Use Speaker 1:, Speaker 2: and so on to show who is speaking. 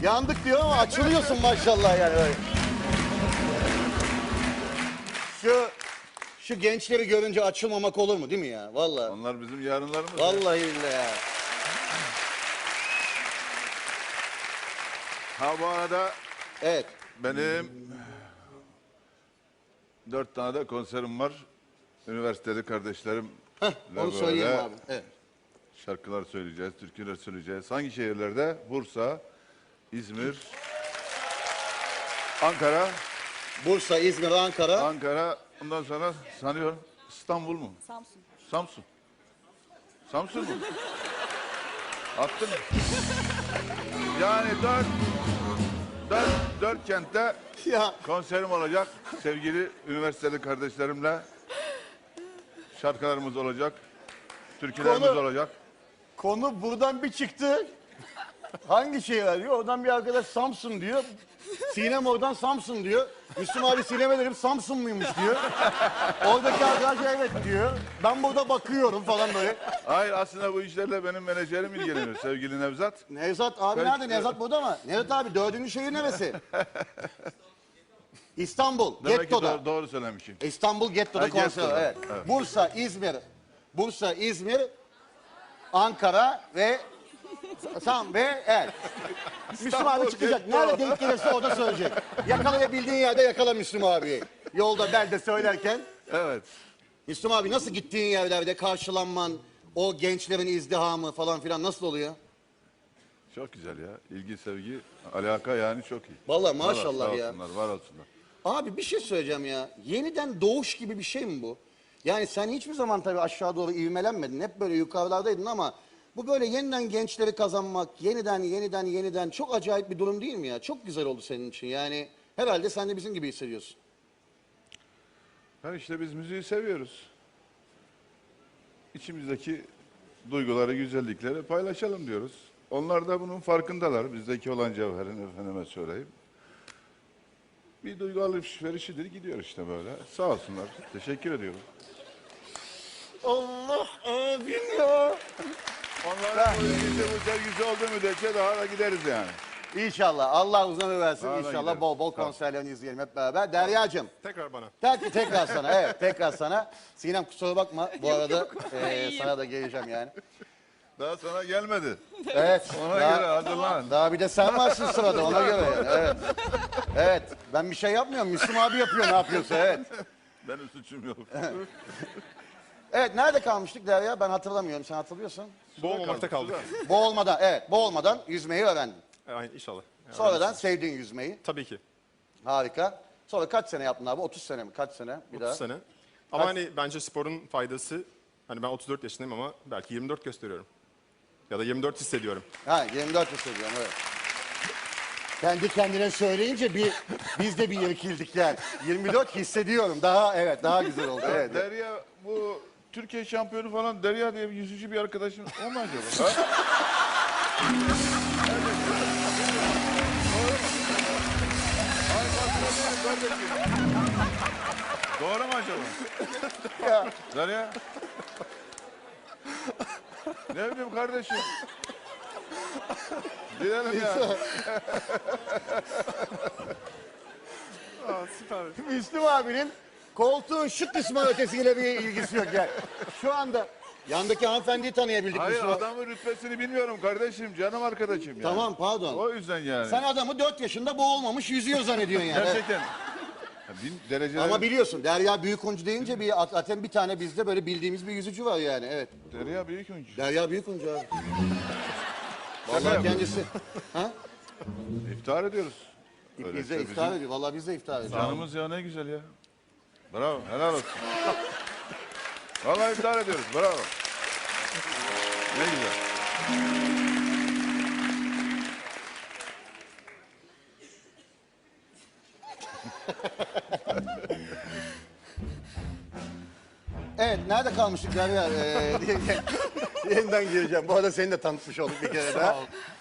Speaker 1: Yandık diyor ama açılıyorsun maşallah yani böyle. Şu gençleri görünce açılmamak olur mu değil mi ya? Vallahi.
Speaker 2: Onlar bizim yarınlarımız.
Speaker 1: Vallahi billahi ya.
Speaker 2: Ha bu arada
Speaker 1: Evet.
Speaker 2: benim 4 tane de konserim var. Üniversitede kardeşlerim.
Speaker 1: Onu söyleyelim abi. Evet.
Speaker 2: Şarkılar söyleyeceğiz, türküler söyleyeceğiz. Hangi şehirlerde? Bursa, İzmir, Ankara.
Speaker 1: Bursa, İzmir, Ankara.
Speaker 2: Ankara, ondan sonra sanıyorum İstanbul mu?
Speaker 3: Samsun.
Speaker 2: Samsun. Samsun mu? Attın mı? Yani dört kentte
Speaker 1: Ya
Speaker 2: konserim olacak. Sevgili üniversiteli kardeşlerimle şarkılarımız olacak. Türkülerimiz olacak.
Speaker 1: konu buradan bir çıktı. Hangi şehir diyor? Oradan bir arkadaş Samsun diyor. Sinem oradan Samsun diyor. Müslüm abi Sinem'e dedim Samsun muymuş diyor. Oradaki arkadaş evet diyor. Ben burada bakıyorum falan böyle.
Speaker 2: Hayır aslında bu işlerle benim menajerim ilgileniyor sevgili Nevzat.
Speaker 1: Nevzat abi
Speaker 2: Peki.
Speaker 1: nerede? Nevzat burada mı? Nevzat abi dördüncü şehir neresi? İstanbul,
Speaker 2: Demek
Speaker 1: Getto'da.
Speaker 2: ki doğru söylemişim.
Speaker 1: İstanbul Getto'da
Speaker 2: Ha,
Speaker 1: konser.
Speaker 2: Getto'da,
Speaker 1: Evet.
Speaker 2: evet.
Speaker 1: Bursa, İzmir, Ankara ve evet. Müslüm abi çıkacak.
Speaker 2: Getto.
Speaker 1: Nerede denk gelirse orada söyleyecek. Yakalayabildiğin yerde yakala Müslüm abiyi. Yolda belde söylerken.
Speaker 2: Evet.
Speaker 1: Müslüm abi nasıl gittiğin yerlerde karşılanman, o gençlerin izdihamı falan filan nasıl oluyor?
Speaker 2: Çok güzel ya. İlgi, sevgi, alaka yani çok iyi.
Speaker 1: Vallahi maşallah
Speaker 2: Var
Speaker 1: ya.
Speaker 2: olsunlar, var olsunlar.
Speaker 1: Abi bir şey söyleyeceğim ya. Yeniden doğuş gibi bir şey mi bu? Yani sen hiçbir zaman tabii aşağı doğru ivmelenmedin. Hep böyle yukarılardaydın ama bu böyle yeniden gençleri kazanmak, yeniden çok acayip bir durum değil mi ya? Çok güzel oldu senin için. Yani herhalde sen de bizim gibi hissediyorsun.
Speaker 2: Ha işte biz müziği seviyoruz. İçimizdeki duyguları, güzellikleri paylaşalım diyoruz. Onlar da bunun farkındalar. Bizdeki olan cevherin efendime söyleyeyim. Bir duygu alışverişidir gidiyor işte böyle. Sağ olsunlar. Teşekkür ediyorum.
Speaker 1: Allah abim ya.
Speaker 2: Onların bu ilgisi, bu sevgisi olduğu müddetçe daha da gideriz yani.
Speaker 1: İnşallah. Allah uzun ömür versin.
Speaker 2: Daha da
Speaker 1: İnşallah
Speaker 2: gideriz.
Speaker 1: bol bol
Speaker 2: Tamam.
Speaker 1: konserlerini izleyelim hep beraber. Deryacığım.
Speaker 4: Tekrar bana.
Speaker 1: Tekrar sana. Evet tekrar sana. Sinem kusura bakma. Bu arada sana da geleceğim yani.
Speaker 2: Daha sana gelmedi.
Speaker 1: Evet.
Speaker 2: Ona göre hazırlan.
Speaker 1: Daha bir de sen varsın sırada ona göre yani. Evet. Evet. Ben bir şey yapmıyorum. Müslüm abi yapıyor ne yapıyorsa evet.
Speaker 2: Benim suçum yok.
Speaker 1: Evet nerede kalmıştık Derya? Ben hatırlamıyorum. Sen hatırlıyorsun.
Speaker 4: Boğulmamakta kaldık.
Speaker 1: Boğulmadan evet. Boğulmadan yüzmeyi öğrendin.
Speaker 4: Aynen inşallah. Yani
Speaker 1: Sonradan sevdin yüzmeyi.
Speaker 4: tabii ki.
Speaker 1: Harika. Sonra kaç sene yaptın abi? 30 sene mi? Kaç sene? Bir
Speaker 4: 30
Speaker 1: daha.
Speaker 4: sene. Ama hani bence sporun faydası, hani ben 34 yaşındayım ama belki 24 gösteriyorum. Ya da 24 hissediyorum.
Speaker 1: Ha 24 hissediyorum evet. Kendi kendine söyleyince biz de bir irkildik yani. 24 hissediyorum. Daha güzel oldu. Evet.
Speaker 2: Derya bu Türkiye şampiyonu falan Derya diye bir yüzücü bir arkadaşım o mu acaba? Ha? Ay, kardeşim. Doğru mu acaba?
Speaker 1: Ya.
Speaker 2: Derya? Ne bileyim kardeşim. Gidelim ya.
Speaker 4: Aa, süper.
Speaker 1: Müslüm abinin koltuğun şu kısmı ötesiyle bir ilgisi yok yani. Şu anda yandaki hanımefendiyi tanıyabildik.
Speaker 2: Hayır
Speaker 1: Müslüm abi.
Speaker 2: adamın rütbesini bilmiyorum kardeşim. Canım arkadaşım yani.
Speaker 1: Tamam pardon.
Speaker 2: O yüzden yani.
Speaker 1: Sen adamı 4 yaşında boğulmamış yüzüyor zannediyorsun yani.
Speaker 2: Gerçekten. Bin dereceler.
Speaker 1: Ama biliyorsun Derya Büyükuncu deyince zaten bir tane bizde böyle bildiğimiz bir yüzücü var yani evet.
Speaker 2: Derya büyük oyuncu.
Speaker 1: Derya Büyükuncu abi. Vallahi kendisi. Ha?
Speaker 2: İftihar ediyoruz. Öyle
Speaker 1: Biz de
Speaker 2: işte
Speaker 1: iftar
Speaker 2: bizim
Speaker 1: ediyor. Vallahi biz de iftar ediyoruz.
Speaker 2: Canımız ya ne güzel ya. Bravo helal olsun. Vallahi iftihar ediyoruz bravo. Ne güzel.
Speaker 1: Evet, nerede kalmıştık Derya? Yeniden gireceğim. Bu arada seni de tanıtmış olduk bir kere daha.